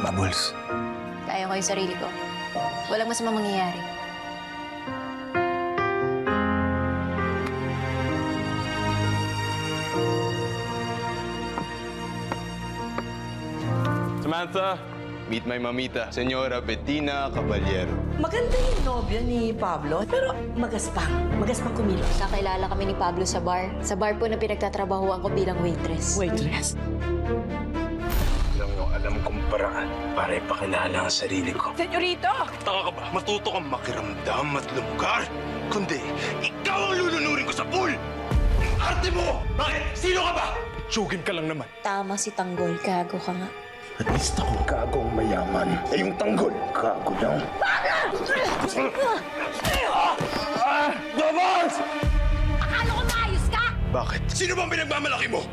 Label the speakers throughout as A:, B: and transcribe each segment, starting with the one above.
A: Bubbles.
B: Kaya ko yung sarili ko. Walang masamang mangyayari.
C: Samantha, meet my mamita, Señora Bettina Caballero.
D: Maganda yung nobya ni Pablo, pero magaspang. Magaspang kumilos.
B: Kakilala kami ni Pablo sa bar. Sa bar po na pinagtatrabahuan ko bilang waitress.
D: Waitress?
A: Alam kong paraan para ipakilala ang sarili ko.
D: Senyorito!
C: Taka ka ba? Matuto kang makiramdam at lumugar? Kundi, ikaw ang lulunurin ko sa pool! Ang arte mo! Bakit? Sino ka ba? Tsugin ka lang naman.
B: Tama si Tanggol, gago ka nga.
A: At least ako gagong mayaman. Eh yung tanggol, gago lang. Bubbles!
E: Akala ko maayos ka!
C: Bakit? Sino bang pinagmamalaki mo?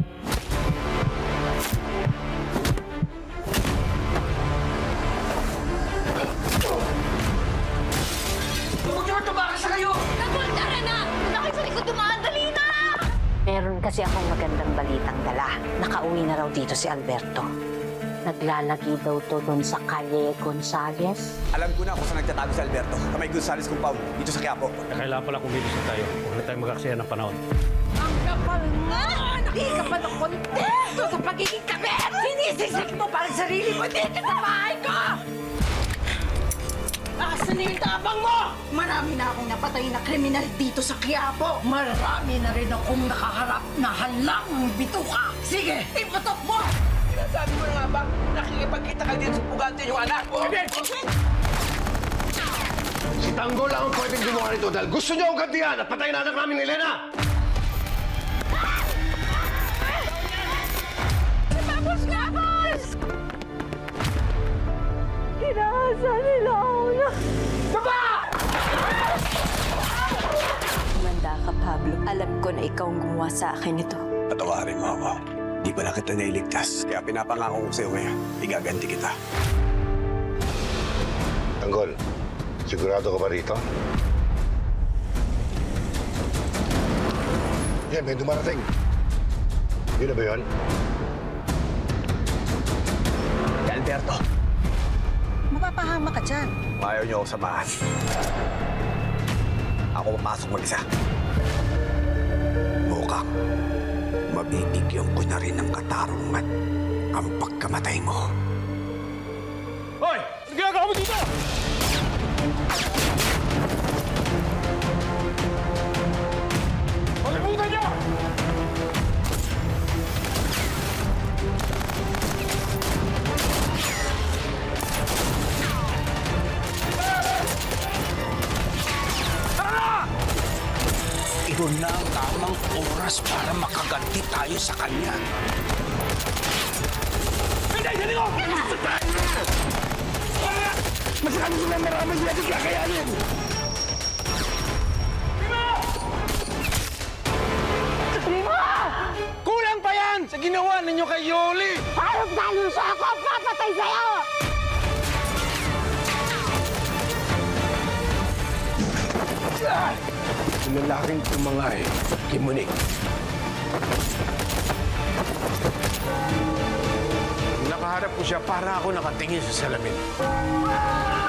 E: Nagultara na! Nakita likod dumaan, dali na!
F: Meron kasi akong magandang balitang dala. Nakauwi na raw dito si Alberto. Naglalagi daw to doon sa Calle Gonzales.
G: Alam ko na kung saan nagtatago si Alberto. Kamay Gonzales compound, dito sa Quiapo.
H: Kailangan pala kumilos na tayo. Huwag na tayo mag-aksaya ng panahon.
E: Ang kapal nga! Hindi ka pa ng kontento sa pagiging kabit! Sinisisik mo parang sarili mo dito sa bahay ko! Asan na yung tabang mo? Marami na akong napatay na kriminal dito sa Quiapo. Marami na rin akong nakaharap na halang bituka. Sige, iputok mo!
D: Sinasabi mo na nga ba, nakikipagkita ka din sa pugante yung anak mo?
A: Si Tanggol lang ang pwedeng gumawa nito dahil gusto niyo akong gantihan at patayin anak namin ni Elena!
E: Tapos nga, boss! Kinahasa nila ako na...
B: Kumanda ka, Pablo. Alam ko na ikaw ang gumawa sa akin ito.
G: Patawarin mo ako. Di pala kita nailigtas. Kaya pinapangako ko sa'yo ngayon, igaganti kita.
A: Tanggol, sigurado ka ba rito? Yan, may dumarating. Yun na ba yun?
G: Si Alberto,
F: Mapapahama ka dyan.
G: ayaw niyo ako samahan. Ako papasok mag-isa. Mukhang mabibigyan ko na rin ng katarungan ang pagkamatay mo.
C: Hoy! Ano ginagawa mo dito? Palimutan niyo!
A: Ito na ang tamang oras para makaganti tayo sa kanya. Masyado sila marami sila di kakayanin!
C: Kulang pa yan sa ginawa ninyo kay Yoli!
E: Harap dahil siya ako ang papatay sa'yo!
A: Yung lalaking tumangay, kimunik.
C: Nakaharap ko siya para ako nakatingin sa salamin.